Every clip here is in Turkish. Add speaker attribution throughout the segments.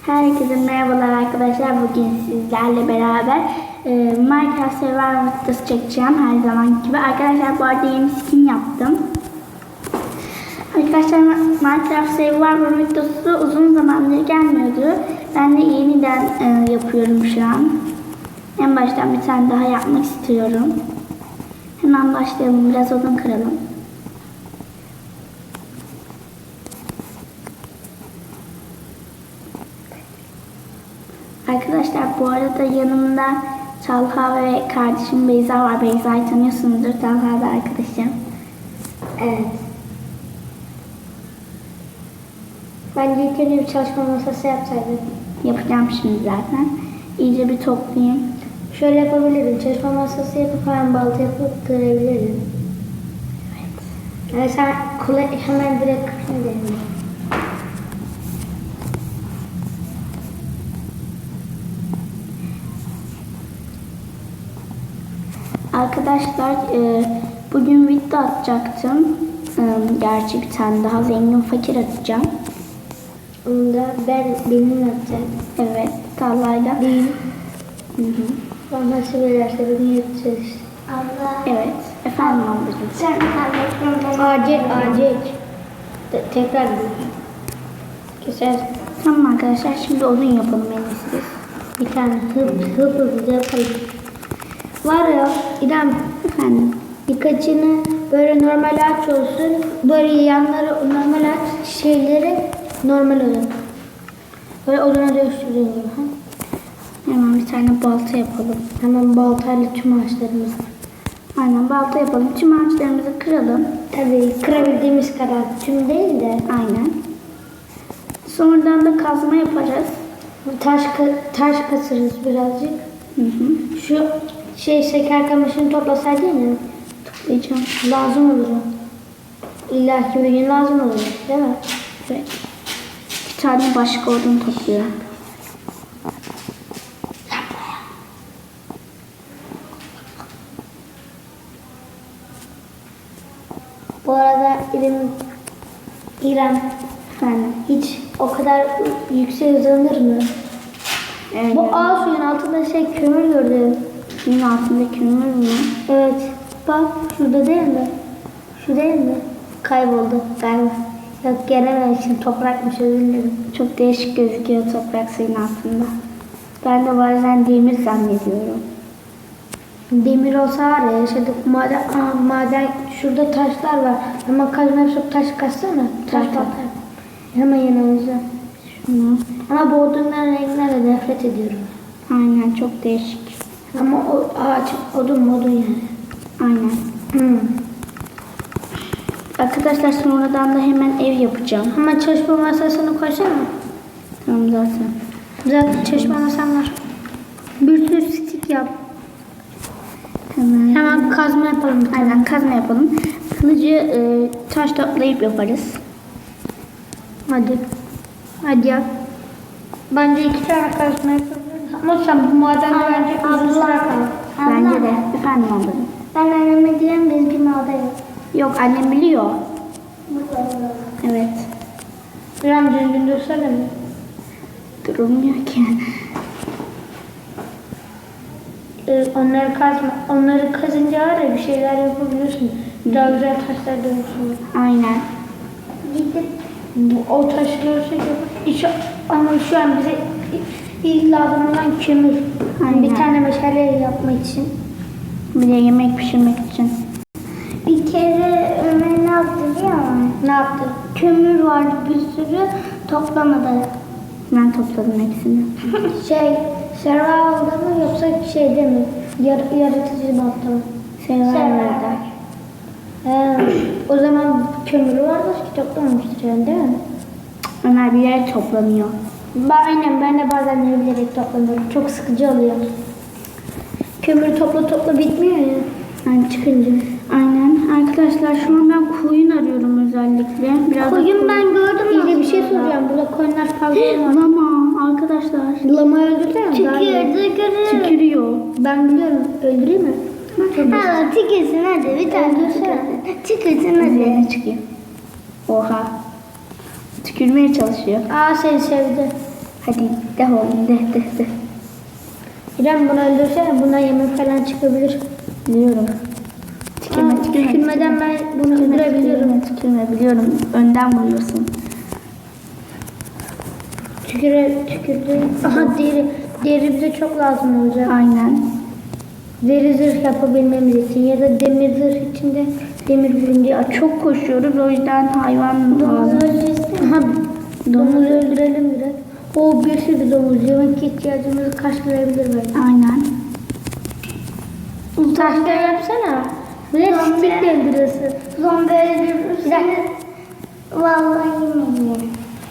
Speaker 1: Herkese merhabalar arkadaşlar. Bugün sizlerle beraber Minecraft Survival videosu çekeceğim her zaman gibi. Arkadaşlar bu arada yeni skin yaptım. Arkadaşlar Minecraft Survival videosu uzun zamandır gelmiyordu. Ben de yeniden yapıyorum şu an. En baştan bir tane daha yapmak istiyorum. Hemen başlayalım. Biraz odun kıralım. Arkadaşlar bu arada yanımda Talha ve kardeşim Beyza var. Beyza'yı tanıyorsunuzdur. Talha da arkadaşım.
Speaker 2: Evet. Bence ilk önce bir çalışma masası yapsaydım.
Speaker 1: Yapacağım şimdi zaten. İyice bir toplayayım.
Speaker 2: Şöyle yapabilirim. Çalışma masası yapıp hemen balta yapıp kırabilirim.
Speaker 1: Evet.
Speaker 2: Yani sen hemen direkt kırabilirim.
Speaker 1: Arkadaşlar bugün video atacaktım. Gerçi bir tane daha zengin fakir atacağım.
Speaker 2: Onu da benim yapacağım.
Speaker 1: Evet. Talha'yla.
Speaker 2: Benim.
Speaker 1: Hı.
Speaker 2: Nasıl verirse beni yapacağız işte.
Speaker 1: Allah. Evet. Efendim ablacığım.
Speaker 2: Sen Acek. Tekrar keser.
Speaker 1: Tamam arkadaşlar şimdi odun yapalım en iyisi.
Speaker 2: Bir tane hızlı yapalım. Var ya İrem,
Speaker 1: Efendim.
Speaker 2: birkaçını böyle normal ağaç olsun. Böyle yanları normal ağaç, şeyleri normal olun. Böyle oduna dönüştürün gibi.
Speaker 1: Hemen bir tane balta yapalım.
Speaker 2: Hemen baltayla tüm ağaçlarımızı.
Speaker 1: Aynen balta yapalım. Tüm ağaçlarımızı kıralım.
Speaker 2: Tabii kırabildiğimiz kadar. Tüm değil de.
Speaker 1: Aynen. Sonradan da kazma yaparız.
Speaker 2: Taş kasırız birazcık.
Speaker 1: Hı hı.
Speaker 2: Şu şeker kamışını toplasaydın ya.
Speaker 1: Toplayacağım.
Speaker 2: Lazım olur o. İlla ki bir gün lazım olur. Değil mi?
Speaker 1: Evet. Bir tane başka odun topluyorum.
Speaker 2: Bu arada İrem
Speaker 1: Efendim.
Speaker 2: hiç o kadar yüksek hızlanır mı?
Speaker 1: Evet.
Speaker 2: Bu ağ suyun altında kömür gördüm.
Speaker 1: Suyun altında kömür mü?
Speaker 2: Evet. Bak şurada değil mi? Şu değil mi? Kayboldu galiba. Yok gelememişim. Toprakmış, özür dilerim.
Speaker 1: Çok değişik gözüküyor toprak suyun altında. Ben de bazen demir zannediyorum.
Speaker 2: Demir olsa var ya yaşadık. Maden şurada taşlar var. Ama kazma yapıp taş kaçsana. Taş
Speaker 1: Zaten.
Speaker 2: patlar. Hemen yanımızda.
Speaker 1: Şunu.
Speaker 2: Ama bu odunların renginden nefret ediyorum.
Speaker 1: Aynen çok değişik.
Speaker 2: Ama o ağaç odun yani.
Speaker 1: Aynen. Arkadaşlar sonradan da hemen ev yapacağım.
Speaker 2: Hemen çalışma masasını koysana.
Speaker 1: Tamam zaten.
Speaker 2: Zaten çalışma masam var. Bir sürü stik yap. Hemen kazma yapalım.
Speaker 1: Aynen kazma yapalım. Kılıcı taş toplayıp yaparız.
Speaker 2: Hadi yap. Bence 2 tane kazma yapabiliriz. Ama sen bu madende bence uzun süre kal.
Speaker 1: Bence de. Efendim ablacığım.
Speaker 2: Ben anneme diyorum biz bir madem.
Speaker 1: Yok annem biliyor. Evet.
Speaker 2: İrem düzgün dursana mı?
Speaker 1: Durulmuyor ki.
Speaker 2: Onları kazınca var ya bir şeyler yapabiliyorsun. Daha güzel taşlar dönüşüyor.
Speaker 1: Aynen.
Speaker 2: Gidip o taşı görsek yapar. Ama şu an bize ilk lazım olan kömür.
Speaker 1: Aynen.
Speaker 2: Bir tane meşale yapmak için.
Speaker 1: Bir de yemek pişirmek için.
Speaker 2: Bir kere Ömer ne yaptı biliyor musun? Ne yaptı? Kömür vardı bir sürü toplamadı.
Speaker 1: Ben topladım hepsini.
Speaker 2: Survival'da mı yoksa şeyde mi? Yaratıcı modda mı?
Speaker 1: Survival'da.
Speaker 2: O zaman kömürü vardır ki toplamamıştır yani değil mi?
Speaker 1: Ömer bir yere toplanıyor.
Speaker 2: Ben de bazen bilerek toplanıyorum. Çok sıkıcı oluyor. Kömür topla bitmiyor ya.
Speaker 1: Yani çıkınca. Aynen. Arkadaşlar şu an ben koyun arıyorum özellikle. Biraz
Speaker 2: Koyun ben gördüm. İyi bir şey soracağım. Burada koyunlar fazla var.
Speaker 1: Lama arkadaşlar.
Speaker 2: Lama öldürsene.
Speaker 1: Tükürüyor.
Speaker 2: Ben biliyorum. Öldüreyim mi?
Speaker 1: Ha,
Speaker 2: tükürsün hadi bir tane tükürsün hadi.
Speaker 1: Üzerine çıkıyor. Oha. Tükürmeye çalışıyor.
Speaker 2: Aa seni sevdi.
Speaker 1: Hadi de oğlum de.
Speaker 2: İrem bunu öldürsene. Bundan yemek falan çıkabilir.
Speaker 1: Biliyorum.
Speaker 2: Tükürmeden ben bunu öldürebiliyorum.
Speaker 1: Tükürme biliyorum. Önden vuruyorsun.
Speaker 2: Tükürdü. Aha deri. Deri bize çok lazım olacak.
Speaker 1: Aynen.
Speaker 2: Deri zırh yapabilmemiz için ya da demir zırh içinde demir bulunca
Speaker 1: Ya çok koşuyoruz o yüzden hayvan
Speaker 2: domuz
Speaker 1: lazım.
Speaker 2: öldürürüz. Aha domuzu öldürelim biraz. O bir sürü domuz. Yemek ihtiyacımızı karşılayabilir belki.
Speaker 1: Aynen.
Speaker 2: Taşla yapsana. Bir de stikle öldürüyorsun.
Speaker 1: Zombi öldürürseniz vallahi yemeyin.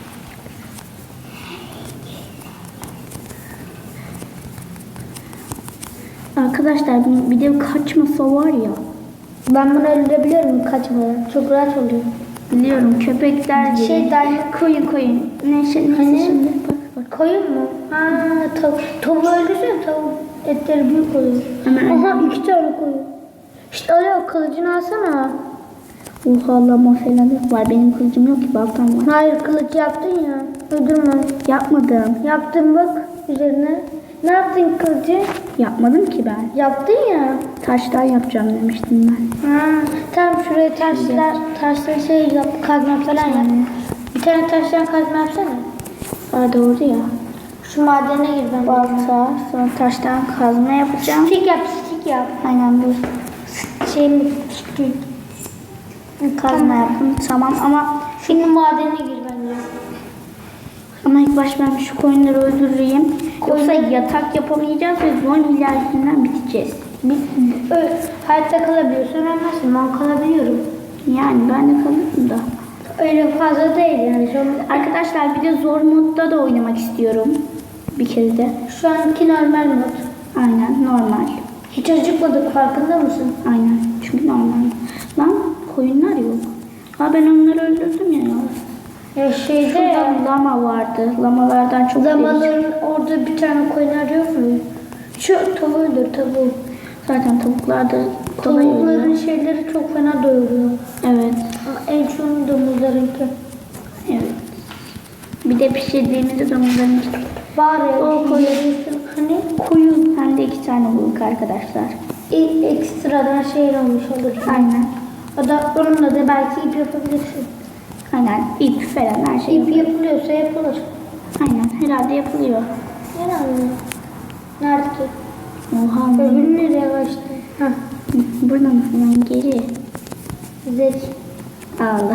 Speaker 1: Arkadaşlar bir de kaçmasa var ya.
Speaker 2: Ben bunu öldürebiliyorum kaçmadan. Çok rahat oluyor.
Speaker 1: Biliyorum köpekler gibi. Koyun. Neyse
Speaker 2: Hani?
Speaker 1: şimdi bak.
Speaker 2: Koyun mu? Tavuğu öldürsen tavuk etleri büyük oluyor.
Speaker 1: Hemen
Speaker 2: Aha 2 tane koyun. İşte öyle kılıcını alsana.
Speaker 1: Oha lama falan var. Benim kılıcım yok ki baltam var.
Speaker 2: Hayır kılıç yaptın ya. Öldürme.
Speaker 1: Yapmadım.
Speaker 2: Yaptın bak üzerine. Ne yaptın kılıcı?
Speaker 1: Yapmadım ki ben.
Speaker 2: Yaptın ya.
Speaker 1: Taştan yapacağım demiştim ben.
Speaker 2: Tamam şuraya taşlar şey yap, kazma falan yap. Bir tane taştan kazma yapsana.
Speaker 1: Aa doğru ya.
Speaker 2: Şu madene gir ben.
Speaker 1: Balta, sonra taştan kazma yapacağım.
Speaker 2: Stik yap.
Speaker 1: Aynen bu.
Speaker 2: Şey mi?
Speaker 1: Kazma yaptım tamam ama
Speaker 2: Şimdi madene gir bence.
Speaker 1: ilk baş ben şu koyunları öldüreyim. Yoksa yatak yapamayacağız ve zombiler yüzünden biteceğiz.
Speaker 2: Hayatta kalabiliyorsun ölmezsin. Ben kalabiliyorum.
Speaker 1: Yani ben de kalırım da.
Speaker 2: Öyle fazla değil yani.
Speaker 1: Arkadaşlar bir de zor modda da oynamak istiyorum. Bir kere de.
Speaker 2: Şu anki normal mod.
Speaker 1: Aynen normal.
Speaker 2: Hiç acıkmadık farkında mısın?
Speaker 1: Aynen çünkü normal. Lan koyunlar yok. Ha ben onları öldürdüm ya.
Speaker 2: Ya şeyde
Speaker 1: Şurada lama vardı. Lamalardan çok
Speaker 2: zamanların orada bir tane koyunlar yok mu? Şu tavuğudur tavuğu.
Speaker 1: Zaten tavuklar da kolay
Speaker 2: Tavukların
Speaker 1: oluyor.
Speaker 2: şeyleri çok fena doyuruyor.
Speaker 1: Evet.
Speaker 2: Ama en çoğunu domuzlarınki.
Speaker 1: Evet. Bir de pişirdiğimizde domuzların
Speaker 2: Var ya
Speaker 1: O
Speaker 2: koyuyorsun. Hani
Speaker 1: koyun. Hem de 2 tane bulduk arkadaşlar.
Speaker 2: ekstradan şey olmuş olur.
Speaker 1: Aynen.
Speaker 2: O da onunla da belki ip yapabilirsin.
Speaker 1: Aynen. İp falan her şey
Speaker 2: İp
Speaker 1: yapıyor.
Speaker 2: yapılıyorsa yapılır.
Speaker 1: Aynen. Herhalde yapılıyor.
Speaker 2: Herhalde. Nerede ki?
Speaker 1: Oha.
Speaker 2: Öbürü nereye kaçtı? Hah.
Speaker 1: Burada mısın? Ben geri.
Speaker 2: Zeki.
Speaker 1: Allah.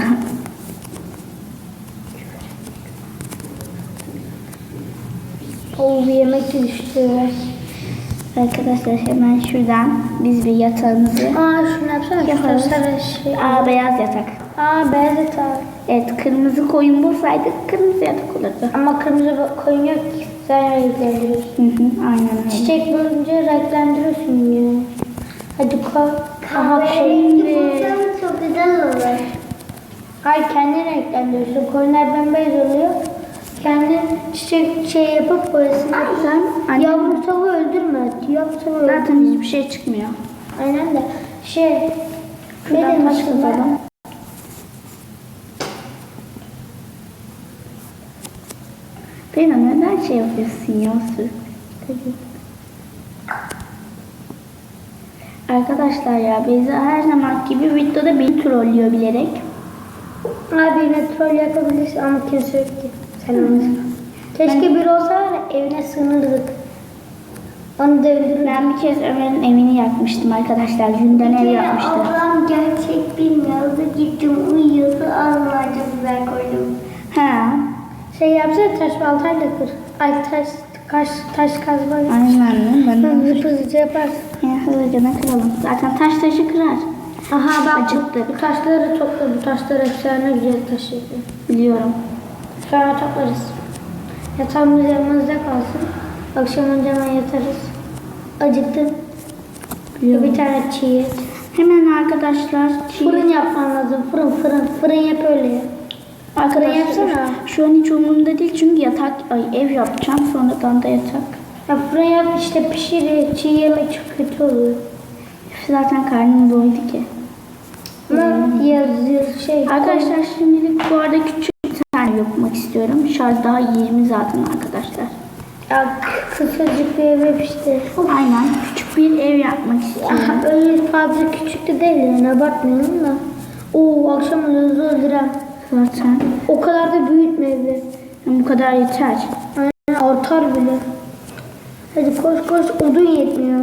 Speaker 2: O bir yemek de düştü.
Speaker 1: Arkadaşlar hemen şuradan biz bir yatağımızı.
Speaker 2: Şunu yapsana.
Speaker 1: Yaparız.
Speaker 2: Şu sarı şey.
Speaker 1: Beyaz yatak.
Speaker 2: Beyaz yatak.
Speaker 1: Evet kırmızı koyun bulsaydık kırmızı yatak olurdu.
Speaker 2: Ama kırmızı koyun yok ki. Sen renklendiriyorsun.
Speaker 1: Aynen öyle.
Speaker 2: Çiçek bulunca renklendiriyorsun ya. Hadi koy.
Speaker 1: Çok güzel olur.
Speaker 2: Hayır kendin renklendiriyorsun. Koyunlar bembeyaz oluyor. Kendin çiçek şey yapıp boyasını yapıyorsun.
Speaker 1: Sen
Speaker 2: Yavru tavuğu öldürme. Yavru tavuğu öldürme.
Speaker 1: zaten hiçbir şey çıkmıyor.
Speaker 2: Aynen de şey
Speaker 1: Şuradan taş
Speaker 2: demiştim ben?
Speaker 1: kazalım. Beyna neden şey yapıyorsun ya Arkadaşlar ya Beyza her zaman gibi videoda beni trollüyor bilerek.
Speaker 2: Abi yine troll yapabilirsin ama kimse yok ki. Sen olmasın. Keşke biri olsa var ya, evine sığınırdık. Onu da öldürürdük.
Speaker 1: Ben bir kez Ömer'in evini yakmıştım arkadaşlar. Yünden ev yapmıştı.
Speaker 3: Ablam gerçek bilmiyordu. Gittim uyuyordu. Ağzına çok güzel koydum.
Speaker 1: Ha.
Speaker 2: Şey yapsana taş baltayla kır. Ay taş kazma.
Speaker 1: Aynen ben de.
Speaker 2: Hızlıca yaparsın.
Speaker 1: Yani hızlıca kıralım. Zaten taş taşı kırar.
Speaker 2: Aha bak
Speaker 1: Acıktı.
Speaker 2: bu taşları topla. Bu taşlar efsane güzel taş yapıyor.
Speaker 1: Biliyorum.
Speaker 2: Sonra toplarız. Yatağımız yanımızda kalsın. Akşamınca hemen yatarız. Acıktım.
Speaker 1: Biliyorum.
Speaker 2: Bir tane çiğ et.
Speaker 1: Hemen arkadaşlar.
Speaker 2: Fırın yapman lazım. Fırın yap öyle ya.
Speaker 1: Arkadaşlar
Speaker 2: yapsana.
Speaker 1: şu an hiç umurumda değil çünkü ev yapacağım. Sonradan da yatak.
Speaker 2: Ya fırın yap işte pişir. Çiğ yemek çok kötü oluyor.
Speaker 1: Zaten karnım doydu ki.
Speaker 2: Ama şey.
Speaker 1: Arkadaşlar şimdilik bu arada küçük bir tane yapmak istiyorum. istiyorum. Şarj daha 20 zaten arkadaşlar.
Speaker 2: Ya kısacık bir ev işte.
Speaker 1: Aynen. Küçük bir ev yapmak istiyorum.
Speaker 2: Öyle fazla küçük de değil yani abartmayalım da. Oo akşam hızlı öldürem.
Speaker 1: Zaten.
Speaker 2: O kadar da büyütme evi.
Speaker 1: Bu kadar yeter.
Speaker 2: Aynen artar bile. Hadi koş koş odun yetmiyor.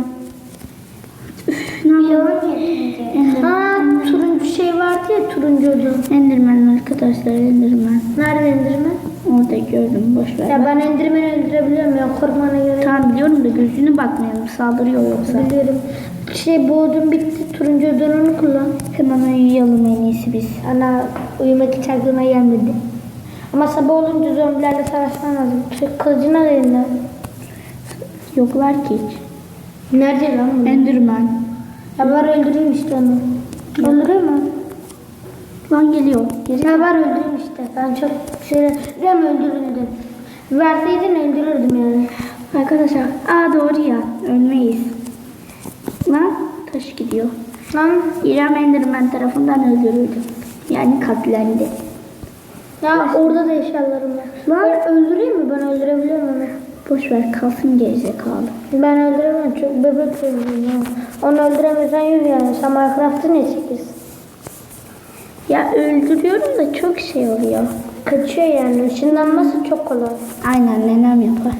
Speaker 1: Ne yapalım?
Speaker 2: Ha turuncu şey vardı ya turuncu odun.
Speaker 1: Enderman arkadaşlar, Enderman.
Speaker 2: Nerede Enderman?
Speaker 1: Orada gördüm, boş ver.
Speaker 2: Ya ben Enderman'i öldürebiliyorum ya korkmana göre.
Speaker 1: Tamam biliyorum da gözüne bakmayalım, saldırıyor yoksa.
Speaker 2: Biliyorum. Bu odun bitti. Turuncu odunu kullan.
Speaker 1: Hemen uyuyalım en iyisi biz.
Speaker 2: Ana uyumak hiç aklıma gelmedi. Ama sabah olunca zombilerle savaşman lazım. Kılıcını al elinden.
Speaker 1: Yoklar ki hiç.
Speaker 2: Nerede lan bu?
Speaker 1: Enderman.
Speaker 2: Ya var öldüreyim işte onu. Öldürüyor mu?
Speaker 1: Lan geliyor. Geri.
Speaker 2: Ya var öldüreyim işte. Ben çok şöyle rem öldürüldüm. Verseydin öldürürdüm yani.
Speaker 1: Arkadaşlar, doğru ya. Ölmeyiz. Lan taş gidiyor.
Speaker 2: Lan
Speaker 1: İrem Enderman tarafından öldürüldü. Yani katlendi.
Speaker 2: ya orada da eşyalarım var. Ben öldüreyim mi? Ben öldürebiliyorum onu.
Speaker 1: Boş ver, kalsın gerizekalı.
Speaker 2: Ben öldüremem. Çok bebek öldürüyorum. Ya. Onu öldüremezsen yürü yani. Sen Minecraft'ı ne çekiyorsun?
Speaker 1: Ya öldürüyorum da çok şey oluyor.
Speaker 2: Kaçıyor yani. Işınlanması çok kolay.
Speaker 1: Aynen, nenem yapar.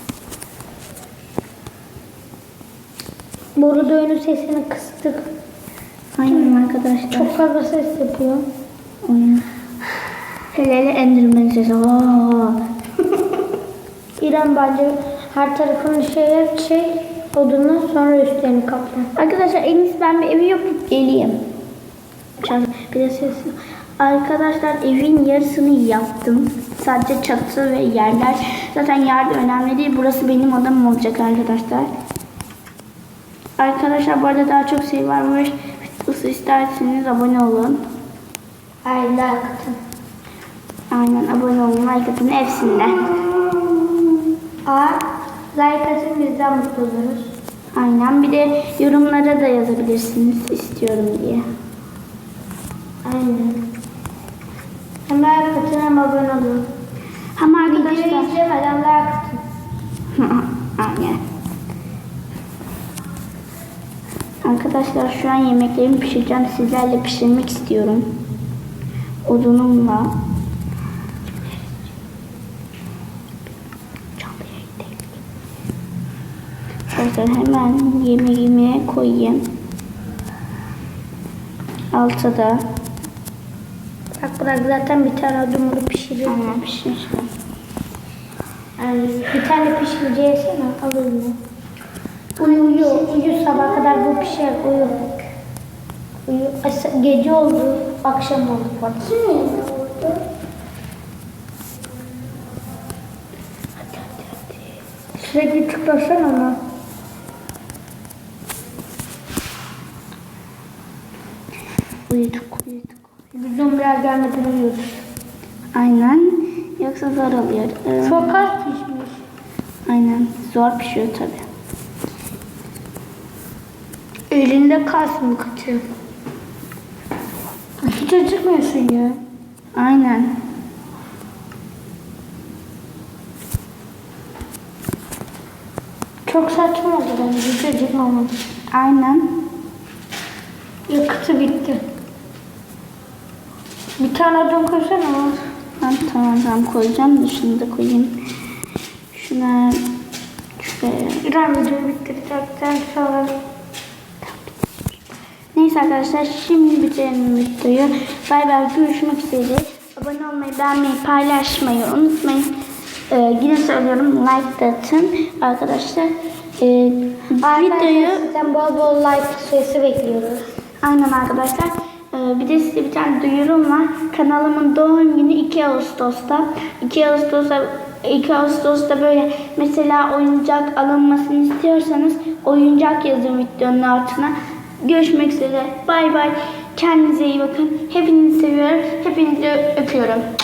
Speaker 2: Bu arada oyunun sesini kıstık.
Speaker 1: Aynen arkadaşlar.
Speaker 2: Çok fazla ses yapıyor.
Speaker 1: Oyun. Hele Enderman sesi.
Speaker 2: İrem bence her tarafını şey odunu sonra üstlerini kapla.
Speaker 1: Arkadaşlar en iyisi ben bir evi yapıp geleyim. Bir de ses. Arkadaşlar evin yarısını yaptım. Sadece çatı ve yerler. Zaten yer de önemli değil. Burası benim odam olacak arkadaşlar. Arkadaşlar bu arada daha çok şey varmış. Videosu isterseniz abone olun.
Speaker 2: Ay like atın.
Speaker 1: Aynen abone olun. Like atın hepsinde.
Speaker 2: Like atın bizden mutlu oluruz.
Speaker 1: Aynen. Bir de yorumlara da yazabilirsiniz istiyorum diye.
Speaker 2: Aynen. Hem like atın hem abone olun.
Speaker 1: Ama
Speaker 2: Videoyu
Speaker 1: arkadaşlar.
Speaker 2: izlemeden like atın.
Speaker 1: Aynen. Arkadaşlar şu an yemeklerimi pişireceğim. Sizlerle pişirmek istiyorum. Odunumla. Arkadaşlar hemen yemeğimi koyayım. Altta da.
Speaker 2: Bırak zaten bir tane odunu pişiriyor.
Speaker 1: Aynen pişmiş.
Speaker 2: Yani bir tane pişince yesene al onu. Uyu sabah kadar bu pişer uyu. Gece oldu akşam oldu bak. Sürekli tıklasana ama.
Speaker 1: Uyuduk.
Speaker 2: Biz zombiler gelmeden uyuyoruz.
Speaker 1: Aynen. Yoksa zor oluyor.
Speaker 2: Çok az pişmiş.
Speaker 1: Aynen. Zor pişiyor tabi.
Speaker 2: Elinde kalsın kaçıyor. Hiç acıkmıyorsun ya.
Speaker 1: Aynen.
Speaker 2: Çok saçma oldu bence. Hiç acıkmamadı.
Speaker 1: Aynen.
Speaker 2: Yakıtı bitti. Bir tane odun koysana.
Speaker 1: Ben tamam koyacağım da şunu da koyayım. Şuna şuraya.
Speaker 2: İrem videoyu bitirecekten sonra.
Speaker 1: Neyse arkadaşlar şimdi bitirelim videoyu. Bay bay, görüşmek üzere. Abone olmayı, beğenmeyi, paylaşmayı unutmayın. Yine söylüyorum, like da atın arkadaşlar. Videoyu
Speaker 2: Sizden bol bol like sayısı bekliyoruz.
Speaker 1: aynen arkadaşlar. Bir de size bir tane duyurum var. Kanalımın doğum günü 2 Ağustos'ta. 2 Ağustos'ta böyle mesela oyuncak alınmasını istiyorsanız oyuncak yazın videonun altına. Görüşmek üzere. Bay bay. Kendinize iyi bakın. Hepinizi seviyorum. Hepinizi öpüyorum.